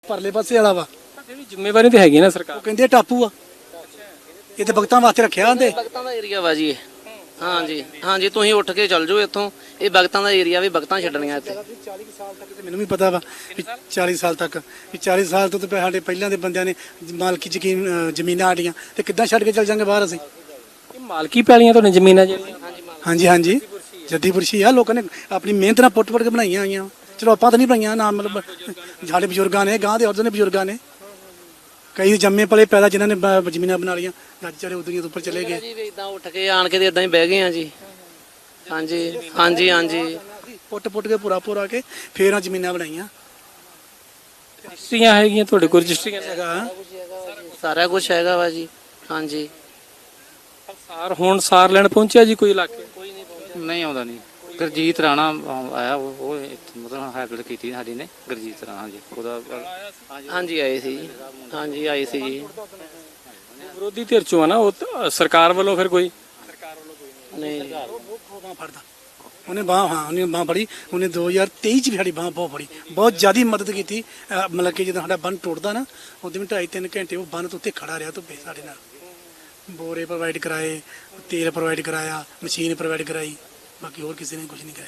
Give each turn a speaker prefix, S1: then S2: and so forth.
S1: ਪਰਲੇ ਪਾਸੇ ਵਾਲਾ ਵਾ
S2: ਜਿਹੜੀ ਜ਼ਿੰਮੇਵਾਰੀ ਤੇ ਹੈਗੀ ਨਾ ਸਰਕਾਰ
S1: ਉਹ ਕਹਿੰਦੇ ਟਾਪੂ ਆ ਇਹ ਤੇ ਭਗਤਾਂ ਵਾਸਤੇ ਰੱਖਿਆ ਹੁੰਦੇ
S3: ਭਗਤਾਂ ਦਾ ਏਰੀਆ ਵਾ ਜੀ ਇਹ। ਹਾਂਜੀ ਹਾਂਜੀ, ਤੁਸੀਂ ਉੱਠ ਕੇ ਚੱਲ ਜਾਓ ਇੱਥੋਂ, ਇਹ ਭਗਤਾਂ ਦਾ ਏਰੀਆ ਵੀ ਭਗਤਾਂ ਛੱਡਣੀਆਂ ਇੱਥੇ।
S1: 40 ਸਾਲ ਤੱਕ ਤੇ ਮੈਨੂੰ ਵੀ ਪਤਾ ਵਾ ਵੀ 40 ਸਾਲ ਤੱਕ ਵੀ 40 ਸਾਲ ਤੋਂ ਤੇ ਸਾਡੇ ਪਹਿਲਾਂ ਦੇ ਬੰਦਿਆਂ ਨੇ ਮਾਲਕੀ ਜ਼ਮੀਨਾਂ ਸਾਡੀਆਂ ਤੇ ਕਿੱਦਾਂ ਛੱਡ ਕੇ ਚੱਲ ਜਾਂਗੇ ਬਾਹਰ ਅਸੀਂ।
S2: ਇਹ ਮਾਲਕੀ ਪੈਲੀਆਂ ਤੁਹਾਡੀਆਂ ਜ਼ਮੀਨਾਂ ਜਿਹੜੀਆਂ
S1: ਹਾਂਜੀ ਹਾਂਜੀ ਜੱਦੀਪੁਰਸ਼ੀ ਆ, ਲੋਕਾਂ ਨੇ ਆਪਣੀ ਮਿਹਨਤ ਨਾਲ ਪੁੱਟ ਕੇ ਬਣਾਈਆਂ ਹੋਈਆਂ। ਚਲੋ ਆਪਾਂ ਤਾਂ ਨਹੀਂ ਬਣਾਈਆਂ ਨਾ, ਮਤਲਬ ਸਾਡੇ ਬਜ਼ੁਰਗਾਂ ਨੇ, ਗਾਂ ਦੇ ਔਰਤਾਂ ਨੇ, ਬਜ਼ੁਰਗਾਂ ਨੇ, ਕਈ ਜੰਮੇ ਪਲੇ ਪੈਦਾ ਜਿਨ੍ਹਾਂ ਨੇ ਜ਼ਮੀਨਾਂ ਬਣਾ ਲਈਆਂ, ਅੱਜ ਚਾਰੇ ਉਦੋਂ ਉੱਪਰ ਚਲੇ ਗਏ।
S3: ਜੀ ਵੀ ਇਦਾਂ ਉੱਠ ਕੇ ਆਣ ਕੇ ਤੇ ਇਦਾਂ ਹੀ ਬਹਿ ਗਏ ਆ ਜੀ। ਹਾਂਜੀ ਹਾਂਜੀ ਹਾਂਜੀ,
S1: ਪੁੱਟ ਕੇ ਪੂਰਾ ਕੇ ਫੇਰ ਆ ਜ਼ਮੀਨਾਂ ਬਣਾਈਆਂ।
S2: ਰਜਿਸਟਰੀਆਂ ਹੈਗੀਆਂ ਤੁਹਾਡੇ ਕੋਲ? ਰਜਿਸਟਰੀਆਂ
S1: ਹੈਗਾ
S3: ਸਾਰਾ ਕੁਝ ਹੈਗਾ ਵਾ ਜੀ। ਹਾਂਜੀ,
S2: ਹੁਣ ਸਾਰ ਲੈਣ ਪਹੁੰਚਿਆ ਜੀ ਕੋਈ ਇਲਾਕੇ?
S4: ਨਹੀਂ ਆਉਂਦਾ ਨਹੀਂ। ਗੁਰਜੀਤ ਰਾਣਾ ਆਇਆ, ਉਹ ਮਤਲਬ ਹੈਲਪ ਕੀਤੀ ਸਾਡੀ ਨੇ। ਗੁਰਜੀਤ ਰਾਣਾ ਜੀ ਉਹਦਾ
S3: ਹਾਂਜੀ ਆਏ ਸੀ ਜੀ। ਹਾਂਜੀ ਆਏ ਸੀ ਜੀ।
S2: ਵਿਰੋਧੀ ਧਿਰ ਚੋਂ ਆ ਨਾ ਉਹ, ਸਰਕਾਰ ਵੱਲੋਂ ਫਿਰ ਕੋਈ?
S3: ਨਹੀਂ
S1: ਬਾਂਹ ਫੜਦਾ ਉਹਨੇ ਬਾਂਹ ਫੜੀ। ਉਹਨੇ 2023 ਚ ਵੀ ਸਾਡੀ ਬਾਂਹ ਬਹੁਤ ਫੜੀ, ਬਹੁਤ ਜ਼ਿਆਦਾ ਮਦਦ ਕੀਤੀ। ਮਤਲਬ ਕਿ ਜਦੋਂ ਸਾਡਾ ਬੰਨ ਟੁੱਟਦਾ ਨਾ, ਉਦੋਂ ਵੀ 2.5-3 ਘੰਟੇ ਉਹ ਬੰਨ ਤੋਂ ਉੱਤੇ ਖੜਾ ਰਿਹਾ ਧੁੱਪੇ ਸਾਡੇ ਨਾਲ। ਬੋਰੇ ਪ੍ਰੋਵਾਈਡ ਕਰਾਏ, ਤੇਲ ਪ੍ਰੋਵਾਈਡ ਕਰਾਇਆ, ਮਸ਼ੀਨ ਪ੍ਰੋਵਾਈਡ ਕਰਾਈ, ਬਾਕੀ ਹੋਰ ਕਿਸੇ ਨੇ ਕੁਝ ਨਹੀਂ ਕਰਾਇਆ।